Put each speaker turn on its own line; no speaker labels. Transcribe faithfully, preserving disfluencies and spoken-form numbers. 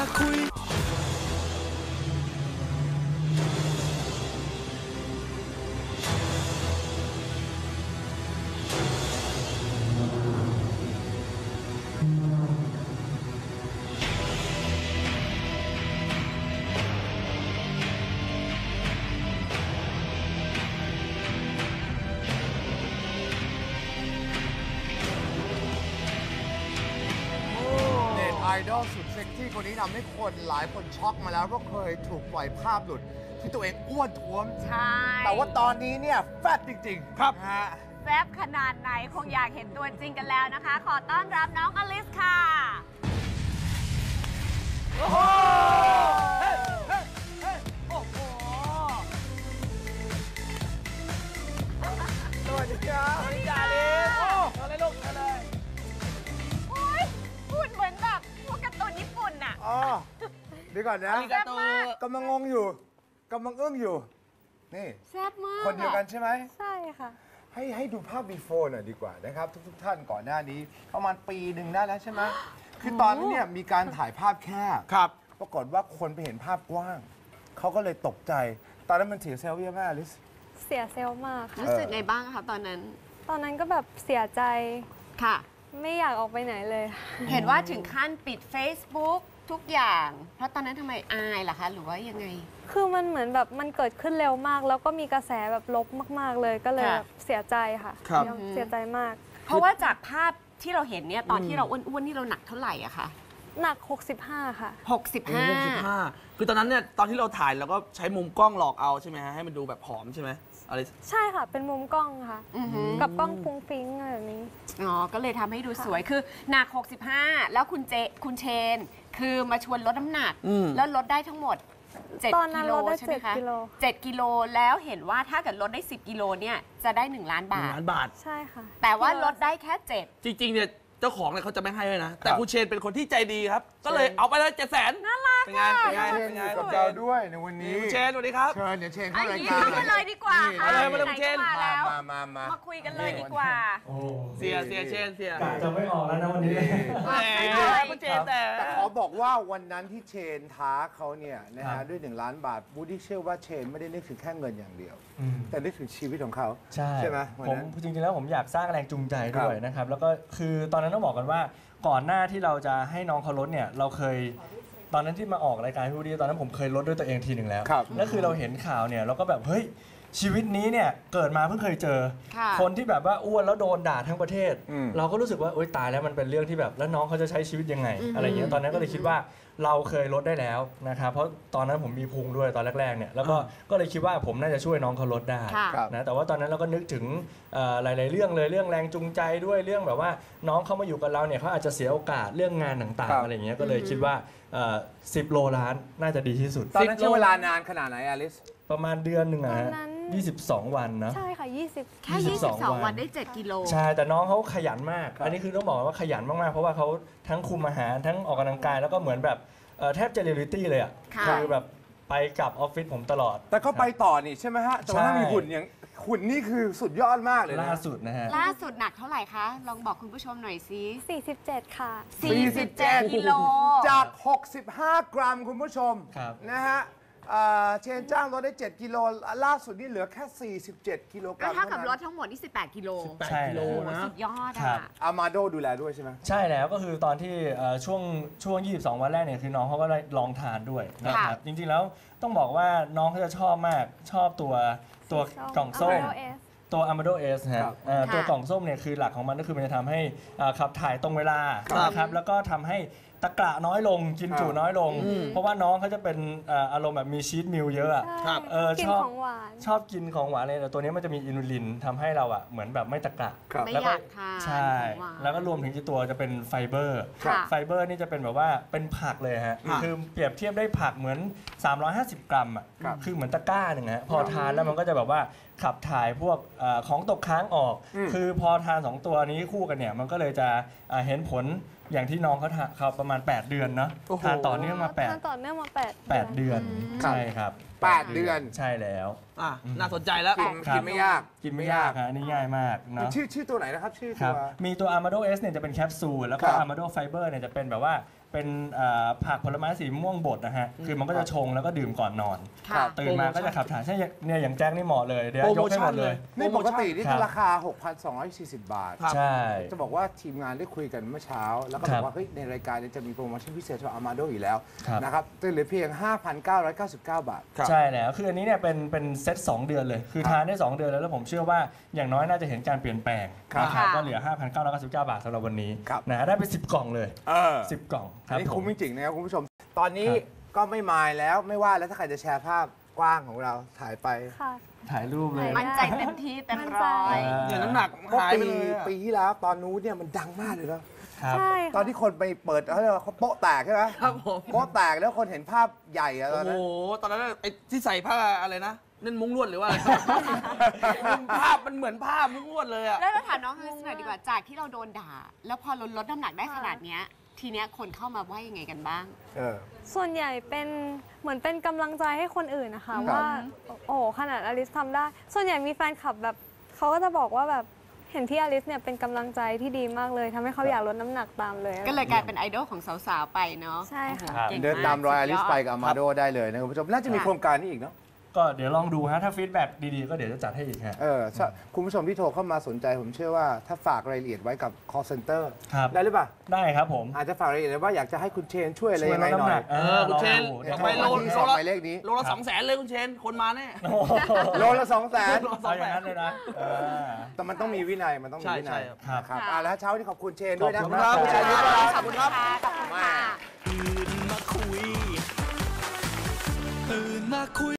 คุย
ไอดอลสุดเซ็กซี่คนนี้ทำให้คนหลายคนช็อกมาแล้วเพราะเคยถูกปล่อยภาพหลุดที่ตัวเองอ้วนท้วม
ใช่
แต่ว่าตอนนี้เนี่ยแฟตจริงๆครับฮะ
แซ่บขนาดไหนคงอยากเห็นตัวจริงกันแล้วนะคะ ขอต้อนรับน้องอลิสค่ะโอ้โหเฮ้เฮ้เฮ้โอ้โห
สวัสดีครับสวัสดีจ้าอลิสโอ้อะไรลูกอะไร
โอ้ยพูดเหมือนแบบพวกการ์ตูนญี่ปุ่นอ่ะ
อ๋อเดี๋ยวก่อนนะ
แซ่บมาก
กำลังงงอยู่กำลังอึ้งอยู่นี่
แซ่บมาก
คนเดียวกันใช่ไหม
ใช่ค่ะ
ให้ให้ดูภาพ before หน่อยดีกว่านะครับทุกๆท่านก่อนหน้านี้ประมาณปีหนึ่งได้แล้วใช่ไหมคือตอนนั้นเนี่ยมีการถ่ายภาพแคบครับปรากฏว่าคนไปเห็นภาพกว้างเขาก็เลยตกใจตอนนั้นมันเสียเซลล์เยอะมากอลิส
เสียเซลล์มากค่ะ
รู้สึกไงบ้างคะตอนนั้น
ตอนนั้นก็แบบเสียใจ
ค่ะ
ไม่อยากออกไปไหนเลย
เห็นว่าถึงขั้นปิด Facebook ทุกอย่างเพราะตอนนั้นทำไมอายล่ะคะหรือว่ายังไง
คือมันเหมือนแบบมันเกิดขึ้นเร็วมากแล้วก็มีกระแสแบบลบมากๆเลยก็เลยเสียใจค่ะเสียใจมาก
เพราะว่าจากภาพที่เราเห็นเนี่ยตอนที่เราอ้วนๆนี่เราหนักเท่าไหร่อะคะ
หนักหกสิบห้าค่ะ
หกสิบห้า
หกสิบห้าคือตอนนั้นเนี่ยตอนที่เราถ่ายเราก็ใช้มุมกล้องหลอกเอาใช่ไหมฮะให้มันดูแบบผอมใช่ไหมอะไร
ใช่ค่ะเป็นมุมกล้องค่ะกับกล้องฟุ้งฟิ้งอะไรแบบนี้
อ๋อก็เลยทำให้ดูสวยคือหนักหกสิบห้าแล้วคุณเจคุณเชนคือมาชวนลดน้ำหนักแล้วลดได้ทั้งหมดเจ็ดกิโลใช่ไหมคะเจ็ดกิโลแล้วเห็นว่าถ้าเกิดลดได้สิบกิโลเนี่ยจะได้หนึ่งล้านบาท
หนึ่งล้านบาท
ใช่ค่ะ
แต่ว่าลดได้แค่เจ็ด
จริงๆเนี่ยเจ้าของเนี่ยเขาจะไม่ให้เลยนะแต่คุณเชนเป็นคนที่ใจดีครับก็เลยเอาไปเลยเจ็ดแสน
น่ารัก
เป็นไงเป็นไง
เป็นไงกับเราด้วยในวันนี้
คุณเชนสวัสดีครับ
เชิญเดี๋ยวเชนเข้ารายการ
กันเลยดีกว่า
ค่ะเลยมาเลยคุณเชน
มาแล้ว
มามามา
มาคุยกันเลยดีกว่า
เสียเสียเชนเสีย
จะไม่ออกแล้วนะวันนี้
คุณเชนแต่
แต่ขอบอกว่าวันนั้นที่เชนท้าเขาเนี่ยนะฮะด้วยหนึ่งล้านบาทบูดี้เชื่อว่าเชนไม่ได้นึกถึงแค่เงินอย่างเดียวแต่นึกถึงชีวิตของเขา
ใช่
ใช่ไหม
ผมจริงๆแล้วผมอยากสร้างแรงจูงใจด้วยนะครับแล้วก็คือตอนนั้นต้องบอกกันว่าก่อนหน้าที่เราจะให้น้องเขาลดเนี่ยเราเคยตอนนั้นที่มาออกรายการพี่วูดดี้ตอนนั้นผมเคยลดด้วยตัวเองทีหนึ่งแล้วแล้วคือเราเห็นข่าวเนี่ยเราก็แบบเฮ้ยชีวิตนี้เนี่ยเกิดมาเพิ่งเคยเจอคนที่แบบว่าอ้วนแล้วโดนด่าทั้งประเทศเราก็รู้สึกว่าโอ๊ยตายแล้วมันเป็นเรื่องที่แบบแล้วน้องเขาจะใช้ชีวิตยังไงอะไรเงี้ยตอนนั้นก็เลยคิดว่าเราเคยลดได้แล้วนะครับเพราะตอนนั้นผมมีพุงด้วยตอนแรกๆเนี่ยแล้วก็ก็เลยคิดว่าผมน่าจะช่วยน้องเขาลดได้นะแต่ว่าตอนนั้นเราก็นึกถึงหลายๆเรื่องเลยเรื่องแรงจูงใจด้วยเรื่องแบบว่าน้องเขามาอยู่กับเราเนี่ยเขาอาจจะเสียโอกาสเรื่องงานต่างๆอะไรเงี้ยก็เลยคิดว่าสิบโลล้านน่าจะดีที่สุด
ตอนนั้นใช้เวลานานขนาดไหนอลิส
ประมาณเดือนหนึ่งอะฮะยี่สิบสองวันนะ
ใช่ค่ะยี่สิบ
แค่ยี่สิบสองวันได้เจ็ดกิโล
ใช่แต่น้องเขาขยันมากอันนี้คือต้องบอกว่าขยันมากๆเพราะว่าเขาทั้งคุมอาหารทั้งออกกำลังกายแล้วก็เหมือนแบบแทบจะเรียลลิตี้เลยอ่ะคือแบบไปกับออฟฟิศผมตลอด
แต่เขาไปต่อนี่ใช่ไหมฮะแต่ว่ามีหุ่นอย่างหุ่นนี่คือสุดยอดมากเลยนะ
ล่าสุดนะฮะ
ล่าสุดหนักเท่าไหร่คะลองบอกคุณผู้ชมหน่อยสิ
สี่สิบเจ็ดค่ะ
สี่สิบเจ็ดกิโล
จากหกสิบห้ากรัมคุณผู้ชมนะฮะเชนจ้างลดได้เจ็ดกิโลล่าสุดนี่เหลือแค่สี่สิบเจ็ดกิโลกรัม
เท่ากับลดทั้งหมดที่สิบแปดกิโล
ใช่โล
นะสุดยอดอ่ะ
อามาโดดูแลด้วยใช่ไหม
ใช่แล้วก็คือตอนที่ช่วงช่วงยี่สิบสองวันแรกเนี่ยคือน้องเขาก็ได้ลองทานด้วยนะครับจริงๆแล้วต้องบอกว่าน้องเขาจะชอบมากชอบตัวตัวกล่องส้มตัว Amado S ฮะตัวกล่องส้มเนี่ยคือหลักของมันก็คือมันจะทำให้ขับถ่ายตรงเวลานะครับแล้วก็ทำให้ตะกระน้อยลงกินจุน้อยลงเพราะว่าน้องเขาจะเป็นอารมณ์แบบมีชีสมิลเยอะอ่ะ
ชอบ
ชอบกินของหวานเลยแต่ตัวนี้มันจะมีอินูลินทำให้เราอ่ะเหมือนแบบไม่ตะกระ
แล้วก็
ใช่แล้วก็รวมถึงที่ตัวจะเป็นไฟเบอร์ไฟเบอร์นี่จะเป็นแบบว่าเป็นผักเลยฮะคือเปรียบเทียบได้ผักเหมือนสามร้อยห้าสิบกรัมอ่ะคือเหมือนตะกร้าหนึ่งฮะพอทานแล้วมันก็จะแบบว่าขับถ่ายพวกของตกค้างออกคือพอทานสองตัวนี้คู่กันเนี่ยมันก็เลยจะเห็นผลอย่างที่น้องเขาเขาประมาณแปดเดือนเนาะทานต่อเนื่องมาแปด
ทานต่อเนื่องมาแปด
แปดเดือนใช่ครับ
แปดเดือน
ใช่แล้ว
อ่ะน่าสนใจแล้ว
กินกินไม่ยาก
กินไม่ยากฮะอันนี่ง่ายมากเนาะ
ชื่อชื่อตัวไหนนะครับชื่อ
ค
ตั
รับ
ว
มีตัว Armado S เนี่ยจะเป็นแคปซูลแล้วก็
ครับ
Armado Fiber เนี่ยจะเป็นแบบว่าเป็นเอ่อผักผลไม้สีม่วงบดนะฮะคือมันก็จะชงแล้วก็ดื่มก่อนนอน
ค่ะ
ตื่นมาก็จะขับถ่ายใช่เนี่ยอย่างแจ็คนี่เหมาะเลยเดี๋ยวยกให้หมดเลย
นี่ปกตินี่
ครับ
ราคา หกพันสองร้อยสี่สิบ บาท
ครับ
ใช่
จะบอกว่าทีมงานได้คุยกันเมื่อเช้า แล้วก็บ
ครั
อบ กว่าเฮ้ยในรายการเนี้จะมีโปรโมชั่นพิเศษสำหรับอามาโดอยู่แล้ว
ครับ
นะครับจะเหลือเพียง ห้าพันเก้าร้อยเก้าสิบเก้า บาท
ครับ
ใช่แล้วคืออันนี้เนี่ยเป็นเป็นเซตสองเดือนเลย คือทานได้สองเดือนแล้วแล้วผมเชื่อว่าอย่างน้อยน่าจะเห็นการเปลี่ยนแปลง
ครับ
นะครับก็เหลือ ห้าพันเก้าร้อยเก้าสิบเก้า บาทสำหรับวันนี้
ครับ
นะได้ไปสิบกล่องเลย
เออ
สิบกล่องค
อั
รั
น
บ
นี้
ผ
คุ้ม
ม
จริงๆนะครับคุณผู้ชม ตอนนี้
ครับ
ก็ไม่มายแล้วไม่ว่าแล้วถ้าใครจะแชร์ภาพกว้างของเราถ่ายไป
ค่ะ
ถ่ายรูปเลย
มั่นใจเต็มที่เต็มร้อย
เนี่ยน้ำหนัก
เมื่อ
หายไป
ปี
เลยอะ
ปีที่แล้วตอนนู้นเนี่ยมันดังมากเลยนะครับ
ใช่
ตอน
ค่ะ
ที่คนไปเปิดเขาเรียกว่าเขาโป๊ะแตกใช่ไหม
ครับผม
โป๊ะแตกแล้วคนเห็นภาพใหญ่อะต
โอ้
อน
โห
นั้น
ตอนนั้นไอ้ที่ใส่ผ้าอะไรนะเล่นมุ้งลวดหรือว่าอะไร ภาพมันเหมือนผ้ามุ้งลวดเลยอะ
แล้วเราถามน้องเฮิร์สหน่อยดีกว่าจากที่เราโดนด่า แล้วพอลดลดน้ำหนักได้ขนาดเนี้ยทีเนี้ยคนเข้ามาว่ายังไงกันบ้าง
เออ
ส่วนใหญ่เป็นเหมือนเป็นกำลังใจให้คนอื่นนะคะ
ครับ
ว่าโอ้โหขนาดอลิสทำได้ ส่วนใหญ่มีแฟนคลับแบบเขาก็จะบอกว่าแบบเห็นที่อลิสเนี่ยเป็นกำลังใจที่ดีมากเลยทำให้เขาอยากลดน้ำหนักตามเลย
ก็เลยกลายเป็นไอดอลของสาวๆไปเนาะ
ใช่ค่ะ
โอ้โหก่ง
เดินตามรอยอลิส
สุด
ไปกับอามาโดได้เลยนะคุณผู้ชมน่าจะมีโครงการนี้อีกเนาะ
ก็เดี๋ยวลองดูฮะถ้าฟีดแบ็กดีๆก็เดี๋ยวจะจัดให้อีกฮะ
เออถ้าคุณผู้ชมที่โทรเข้ามาสนใจผมเชื่อว่าถ้าฝากรายละเอียดไว้กับ call center
ครับ
ได้หรือเปล่า
ได้ครับผม
อาจจะฝากรายละเอียดไว้ว่าอยากจะให้คุณเชนช่วยอะไร
ช่วย
ยัง
ล
ไง
ด
หน่
น้ำห
อ
นั
ย
ก
เออคุณเชน
ลองดูเดี๋ยว
ไปโล
ที่สองหมายเลขนี้
โลละสองแสนเลยคุณเชนคนมาแน่
โลละสองแสน
เอาอย่างนั้นเลยนะเออ
แต่มันต้องมีวินัยมันต้องมี
ใช่
วินัย
ใช่ครับ
ครับอ่าแล้วเช้านี้ขอบคุณเชนด้วยนะ
ขอบคุณครับคุณเชนด้วย
ขอบคุณครับขอบคุณค่ะ
ตื่นมาคุยตื่นมาคุย